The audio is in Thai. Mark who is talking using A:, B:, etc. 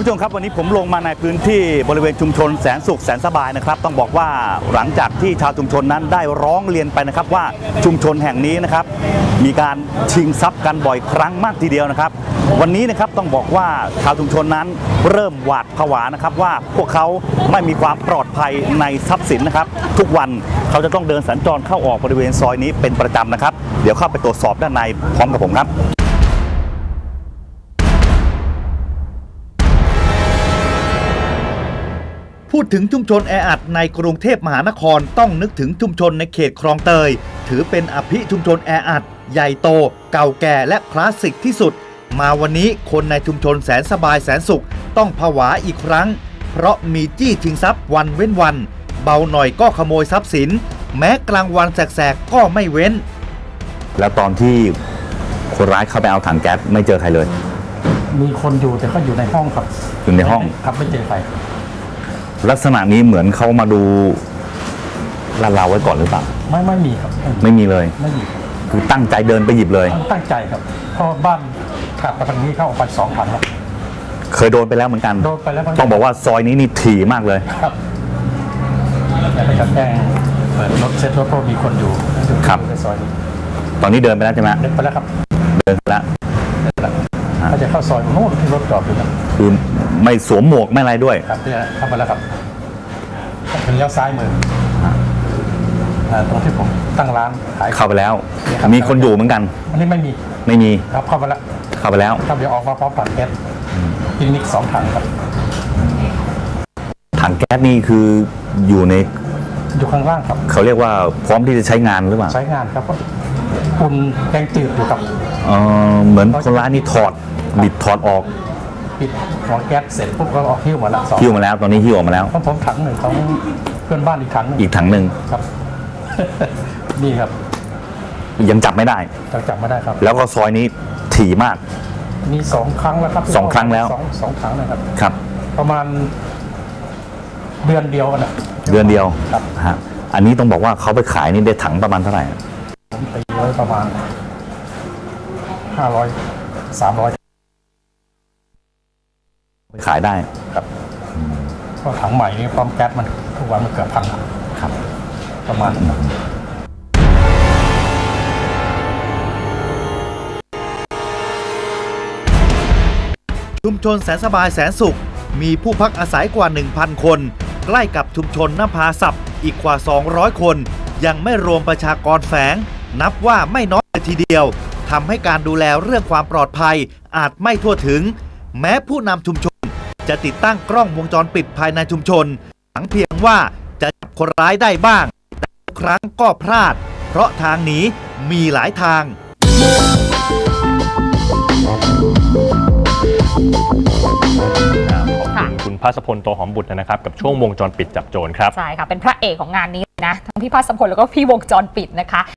A: ผู้ชมครับวันนี้ผมลงมาในพื้นที่บริเวณชุมชนแสนสุขแสนสบายนะครับต้องบอกว่าหลังจากที่ชาวชุมชนนั้นได้ร้องเรียนไปนะครับว่าชุมชนแห่งนี้นะครับมีการชิงทรัพย์กันบ่อยครั้งมากทีเดียวนะครับวันนี้นะครับต้องบอกว่าชาวชุมชนนั้นเริ่มหวาดผวานะครับว่าพวกเขาไม่มีความปลอดภัยในทรัพย์สินนะครับทุกวันเขาจะต้องเดินสัญจรเข้าออกบริเวณซอยนี้เป็นประจำนะครับเดี๋ยวเข้าไปตรวจสอบด้านในพร้อมกับผมครับพูดถึงชุมชนแออัดในกรุงเทพมหานครต้องนึกถึงชุมชนในเขตคลองเตยถือเป็นอภิชุมชนแออัดใหญ่โตเก่าแก่และคลาสสิกที่สุดมาวันนี้คนในชุมชนแสนสบายแสนสุขต้องผวาอีกครั้งเพราะมีจี้ชิงทรัพย์วันเว้นวันเบาหน่อยก็ขโมยทรัพย์สินแม้กลางวันแสกๆก็ไม่เว้นแล้วตอนที่คนร้ายเข้าไปเอาถังแก๊สไม่เจอใครเลย
B: มีคนอยู่แต่ก็อยู่ในห้องครับ
A: อยู่ในห้อง
B: ครับไม่เจอใคร
A: ลักษณะนี้เหมือนเขามาดูลาดเราไว้ก่อนหรือเปล่า
B: ไม่มีครับ
A: ไม่มีเลย
B: ไม่มี
A: คือตั้งใจเดินไปหยิบเลย
B: ตั้งใจครับเพราะบ้านขับไปทางนี้เข้าออกไป2,000ครับ
A: เคยโดนไปแล้วเหมือนกัน
B: โดนไปแล้ว
A: ต้องบอกว่าซอยนี้นี่ถี่มากเลย
B: ครับแต่ไปแจ้งเปิดรถเซ็ตรถเพราะมีคนอยู่
A: ครับ
B: ในซอยนี้
A: ตอนนี้เดินไปแล้วใช่ไหม
B: เดินไปแล้วครับ
A: เดินไปแล้ว
B: ถ้าจะเข้าซอยโน่นที่รถจอดอยู่นะ
A: คือไม่สวมหมวกไม่อะไรด้วย
B: ครับเนี่ยเข้ามาแล้วครับเป็นเลี้ยวซ้ายมือตรงที่ผมตั้งร้านขาย
A: เข้าไปแล้วมีคนอยู่เหมือนกัน
B: อันนี้ไม่มีครับเข้าไปแล้วครับเดี๋ยวออกมาพร้อมถังแก๊สพินิก2 ถังครับ
A: ถังแก๊สนี่คืออยู่
B: ข้างล่างครับ
A: เขาเรียกว่าพร้อมที่จะใช้งานหรือเปล่า
B: ใช้งานครับคุณแกงจืดอยู่ครับ
A: เหมือนคนร้ายนี่บิดถอดออก
B: ปิดหัวแก๊สเสร็จปุ๊บก็ออกหิ้วมาแล้ว
A: หิ้วมาแล้วตอนนี้หิ้วออกมาแล้ว
B: ผมถังหนึ่งของเพื่อนบ้านอีกถังห
A: นึ่ง
B: ครับนี่ครับ
A: ยังจับไม่ได้
B: ครับ
A: แล้วก็ซอยนี้ถี่มาก
B: มี2 ครั้งแล้วครับ
A: 2 ครั้งแล้ว
B: 2 ครั้งนะครับ
A: ครับ
B: ประมาณเดือนเดียวนะ
A: ครับฮะอันนี้ต้องบอกว่าเขาไปขายนี่ได้ถังประมาณเท่าไหร่
B: ผมตีไว้ประมาณ500-300
A: ไปขายได้
B: ครับก็ถังใหม่นี่พร้อมแก๊สมันทุกวันมันเกือบพัน
A: ครับ
B: ประมาณ
C: ชุมชนแสนสบายแสนสุขมีผู้พักอาศัยกว่า 1,000 คนใกล้กับชุมชนนภาศัพท์อีกกว่า200 คนยังไม่รวมประชากรแฝงนับว่าไม่น้อยเลยทีเดียวทำให้การดูแลเรื่องความปลอดภัยอาจไม่ทั่วถึงแม้ผู้นำชุมชนจะติดตั้งกล้องวงจรปิดภายในชุมชนหวังเพียงว่าจะจับคนร้ายได้บ้างแต่ครั้งก็พลาดเพราะทางหนีมีหลายทาง
D: คุณภาสพลโตหอมบุตรนะครับกับช่วงวงจรปิดจับโจรครับ
E: ใช่ค่ะเป็นพระเอกของงานนี้นะทั้งพี่ภาสพลแล้วก็พี่วงจรปิดนะคะ